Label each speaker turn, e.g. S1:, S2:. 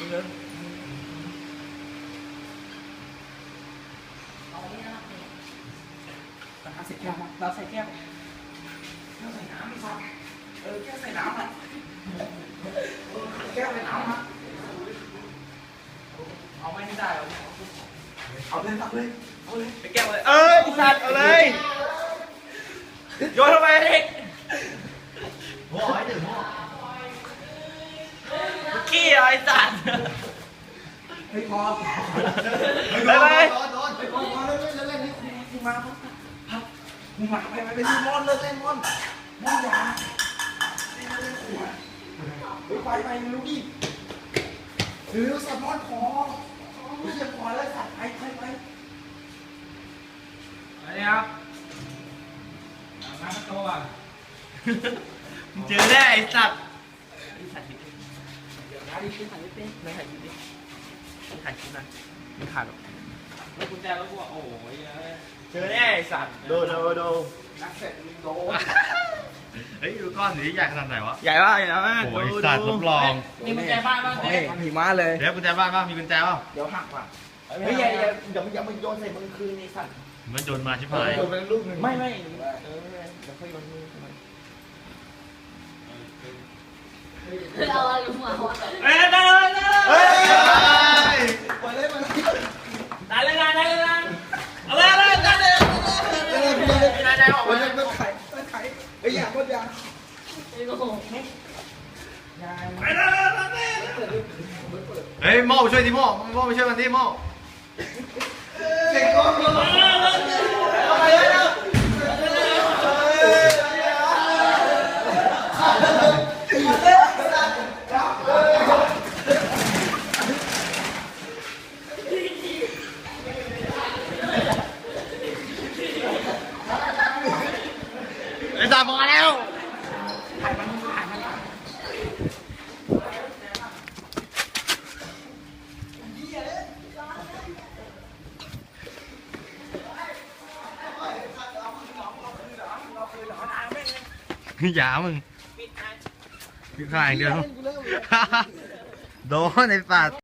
S1: ใส่แก้วมาเราใส่แก้วใส่น้ำไม่พอแก้วใส่น้ำมาแก้วใส่น้ำมาเอาไม่ได้เอาเลยไปแก้วเลยสัตว์เอาเลยโยนทำไมเด็กหัวไอ้หนึ่งหัวขี้ไอ้สัตว์ไม่พอไปไปพอเล่นนี่คุณมามึงมาไปซื้อมอนเลิกเล่นมอนยาเล่นขวดไปรู้ดิซื้อสัตว์มอนคอไม่ใช่คอแล้วสัตว์ไปอะไรครับน้ำโตอ่ะมึงเจอแน่ไอ้สัตว์เดี๋ยวนะดิถ่ายไม่เป็นไม่ถ่ายคลิปดิถ่ายคลิปนะไม่ถ่ายหรอกแล้วกุญแจแล้วกูโอ้ยเจอแน่ไอ้สัตว์ดูนักเสร็จมึงโดน
S2: เฮ้ยดูก้อนนี้ใหญ่ขนาดไหนวะ
S1: ใหญ่มาก
S2: โอ้ยสัตว์รับรอง
S1: มีกุญแจบ้านบ้างหิมะเลย
S2: เดี๋ยวกุญแจบ้านบ้างมีกุญแจป่ะ
S1: เดี๋ยวหักว่ะเฮ้ยอย่ามึงโยนใส่มึงคืนไอ้สัตว์
S2: มันโยนมาชิบหาย
S1: โยนไปลูกนึงไม่เดี๋ยวค่อยโยนมือทำไม
S3: เอาอะไรลงมาวะ
S1: ได้เอาเลยได้ออกมาไข่ไอ้ยาโคตรยา
S2: เฮ้ยโม่ช่วยดิโม่ไปช่วยมันดิโม่
S1: เด็กก้อน
S2: ไอ้ตามาแล้วอย่ามึงปิดขายเดียวโดนในปาก